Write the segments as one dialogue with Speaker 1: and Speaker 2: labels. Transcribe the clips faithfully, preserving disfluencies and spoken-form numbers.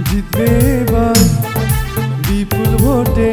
Speaker 1: জিতবে এবার বিপুল ভোটে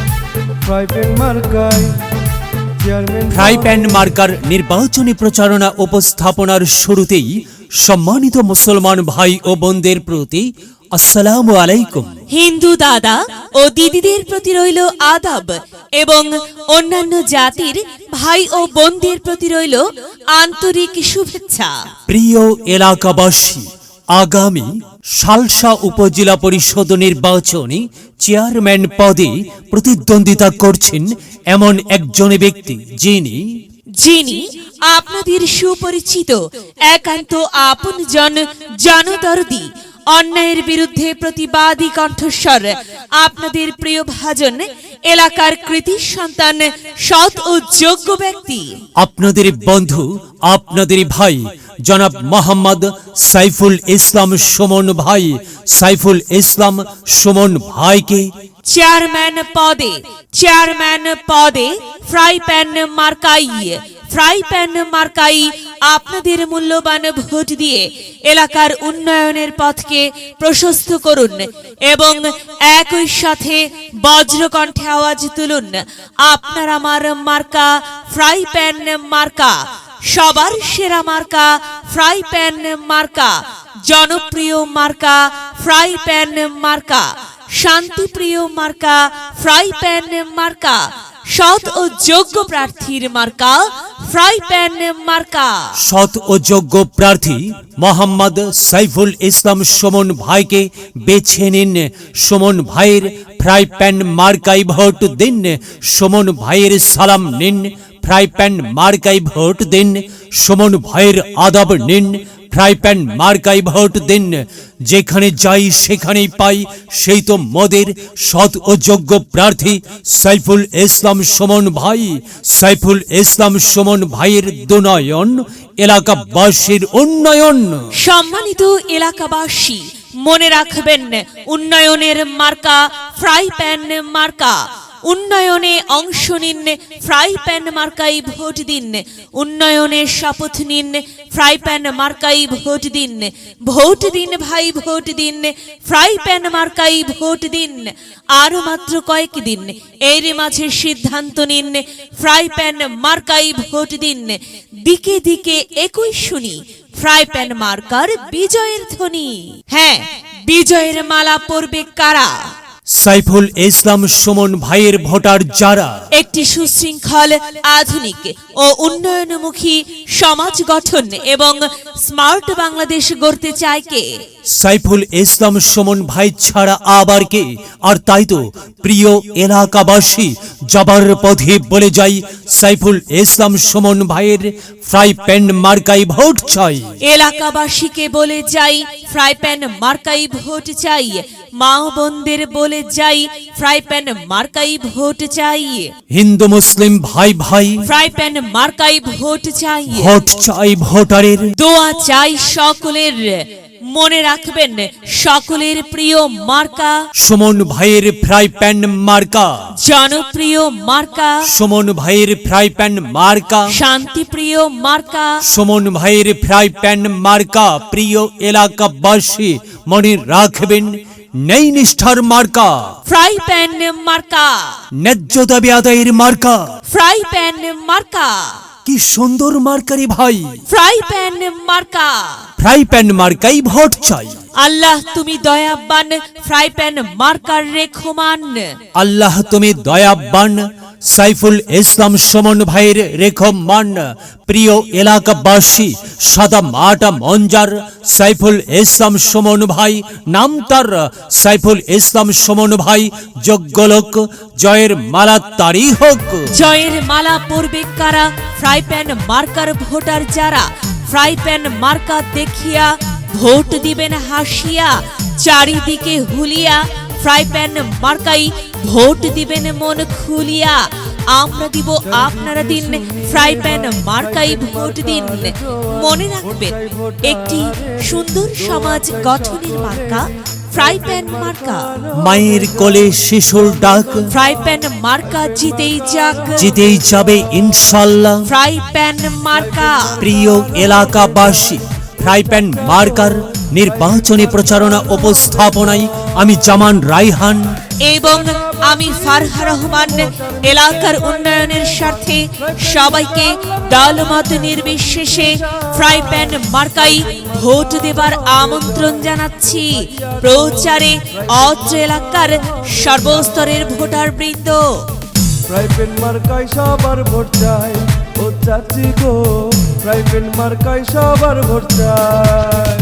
Speaker 1: ফ্রাই প্যান মার্কায় চেয়ারম্যান।
Speaker 2: ফ্রাই প্যান মার্কার নির্বাচনী প্রচারণা উপস্থাপনার শুরুতেই সম্মানিত মুসলমান ভাই ও বোনদের প্রতি আসসালামু আলাইকুম।
Speaker 3: হিন্দু দাদা ও দিদিদের প্রতি রইল আদাব এবং অন্যান্য জাতির ভাই ও বোনদের প্রতি রইল আন্তরিক শুভেচ্ছা।
Speaker 2: প্রিয় এলাকাবাসী, আগামী সালসা উপজেলা পরিষদ নির্বাচনে চেয়ারম্যান পদে প্রতিদ্বন্দ্বিতা করছেন এমন একজন ব্যক্তি যিনি
Speaker 3: যিনি আপনাদের সুপরিচিত একান্ত আপনজন জনদরদি, অন্যায়ের বিরুদ্ধে প্রতিবাদী কণ্ঠস্বর, আপনাদের প্রিয় ভাজন, এলাকার কৃতি সন্তান, সৎ ও যোগ্য ব্যক্তি,
Speaker 2: আপনাদের বন্ধু, আপনাদের ভাই জনাব মোহাম্মদ সাইফুল ইসলাম সুমন ভাই। সাইফুল ইসলাম সুমন ভাইকে
Speaker 3: চেয়ারম্যান পদে চেয়ারম্যান পদে ফ্রাই প্যান মার্কাই ফ্রাই প্যান মার্কাই আপনাদের মূল্যবান ভোট দিয়ে এলাকার উন্নয়নের পথকে প্রশস্ত করুন এবং একই সাথে বজ্রকণ্ঠে আওয়াজ তুলুন, আপনার আমার মার্কা ফ্রাই প্যান মার্কা, সবার সেরা মার্কা ফ্রাই প্যান মার্কা, জনপ্রিয় মার্কা ফ্রাই প্যান মার্কা, শান্তিপ্রিয় মার্কা ফ্রাই প্যান মার্কা, সৎ ও যোগ্য প্রার্থীর মার্কা ফ্রাই প্যান মার্কা।
Speaker 2: সৎ ও যোগ্য প্রার্থী মোহাম্মদ সাইফুল ইসলাম সুমন ভাইকে বেছে নিন। সুমন ভাইয়ের ফ্রাই প্যান মার্কাই ভোট দিন। সুমন ভাইয়ের সালাম নিন, ফ্রাই প্যান মার্কাই ভোট দিন। সুমন ভাইয়ের আদব নিন, ফ্রাই প্যান মার্কাই ভোট দিন। যেখানে যাই সেখানেই পাই সেই তো মোদের সৎ ও যোগ্য প্রার্থী সাইফুল ইসলাম সুমন ভাই। সাইফুল ইসলাম সুমন ভাইয়ের দুনয়ন এলাকাবাসীর উন্নয়ন।
Speaker 3: সম্মানিত এলাকাবাসী, মনে রাখবেন, উন্নয়নের মার্কা ফ্রাই প্যান মার্কা। উন্নয়নে অংশ নিন, ফ্রাই প্যান মার্কাই ভোট দিন। উন্নয়নের শপথ নিন, ফ্রাই প্যান মার্কাই ভোট দিন। ভোট দিন ভাই, ভোট দিন, ফ্রাই প্যান মার্কাই ভোট দিন। আর মাত্র কয়েক দিন, এর মাঝে সিদ্ধান্ত নিন, ফ্রাই প্যান মার্কাই ভোট দিন। দিকে দিকে একই শুনি ফ্রাই প্যান মার্কার বিজয়ের ধ্বনি। হ্যাঁ, বিজয়ের মালা পরবে কারা?
Speaker 2: সাইফুল ইসলাম সুমন ভাইয়ের ভোটার যারা
Speaker 3: একটি সুশৃঙ্খল, আধুনিক ও উন্নয়নমুখী সমাজ গঠন এবং স্মার্ট বাংলাদেশ গড়তে চায় কে?
Speaker 2: সাইফুল ইসলাম সুমন ভাই ছাড়া আবার কে? আর তাই তো প্রিয় এলাকাবাসী, যাবার পথে বলে যাই সাইফুল ইসলাম সুমন ভাইয়ের ফ্রাই প্যান মার্কাই ভোট চাই।
Speaker 3: এলাকাবাসীকে বলে যাই ফ্রাই প্যান মার্কাই ভোট চাই। মা বোনদের বলে যাই ফ্রাই প্যান মার্কাই ভোট চাই।
Speaker 2: হিন্দু মুসলিম ভাই ভাই
Speaker 3: ফ্রাই প্যান মার্কাই ভোট চাই।
Speaker 2: ভোট চাই ভোটারের,
Speaker 3: দোয়া চাই সকলের। মনে রাখবেন, সকলের প্রিয় মার্কা
Speaker 2: সুমন ভাইয়ের ফ্রাই প্যান মার্কা,
Speaker 3: জনপ্রিয় মার্কা
Speaker 2: সুমন ভাইয়ের ফ্রাই প্যান মার্কা,
Speaker 3: শান্তিপ্রিয় মার্কা
Speaker 2: সুমন ভাইয়ের ফ্রাই প্যান মার্কা। প্রিয় এলাকাবাসী, মনে রাখবেন, নেই নিষ্ঠার মার্কা
Speaker 3: ফ্রাই প্যান মার্কা,
Speaker 2: ন্যায্য দাবি আদায়ের মার্কা।
Speaker 3: ফ্রাই প্যান মার্কা,
Speaker 2: কি সুন্দর মার্কারি ভাই,
Speaker 3: ফ্রাই প্যান মার্কা।
Speaker 2: ফ্রাই প্যান মার্কাই ভোট চাই।
Speaker 3: আল্লাহ তুমি দয়াবান, ফ্রাই প্যান মার্কার রেখমান।
Speaker 2: আল্লাহ তুমি দয়াবান, সাইফুল ইসলাম সুমন ভাইয়ের রেখমান। প্রিয় এলাকাবাসী, সাদা মাটা মঞ্জার সাইফুল ইসলাম সুমন ভাই, নাম তার সাইফুল ইসলাম সুমন ভাই, যোগ্য লোক, জয়ের মালা তারই হোক।
Speaker 3: জয়ের মালা পরবে কারা? ফ্রাই প্যান মার্কার ভোটার যারা। ফ্রাই প্যান মার্কা দেখিয়া ভোট দিবেন হাসিয়া, চারিদিকে হুলিয়া ফ্রাই প্যান মার্কাই ভোট দিবেন মন খুলিয়া। আমরা দিব, আপনারা দিন, ফ্রাই প্যান মার্কাই ভোট দিন। মনে রাখবেন, একটি সুন্দর সমাজ গঠনের মার্কা ফ্রাই প্যান মার্কা।
Speaker 2: মায়ের কোলে শিশুর ডাক,
Speaker 3: ফ্রাই প্যান মার্কা জিতেই যাক,
Speaker 2: জিতেই যাবে ইনশাল্লাহ।
Speaker 3: ফ্রাই প্যান মার্কা।
Speaker 2: প্রিয় এলাকাবাসী, ফ্রাই প্যান মার্কার নির্বাচনী প্রচারণা উপস্থাপনায় আমি জামান রাইহান
Speaker 3: এবং আমি ফারহা রহমান এলাকার উন্নয়নের স্বার্থে সবাইকে দলমত নির্বিশেষে ফ্রাই প্যান মার্কাই ভোট দেবার আমন্ত্রণ জানাচ্ছি। প্রচারে অত্র এলাকার সর্বস্তরের ভোটার বৃন্দ।
Speaker 1: ফ্রাই প্যান মার্কায় সবার ভোট চাই, ও চাচি গো ফ্রাই প্যান মার্কায় সবার ভোট চাই।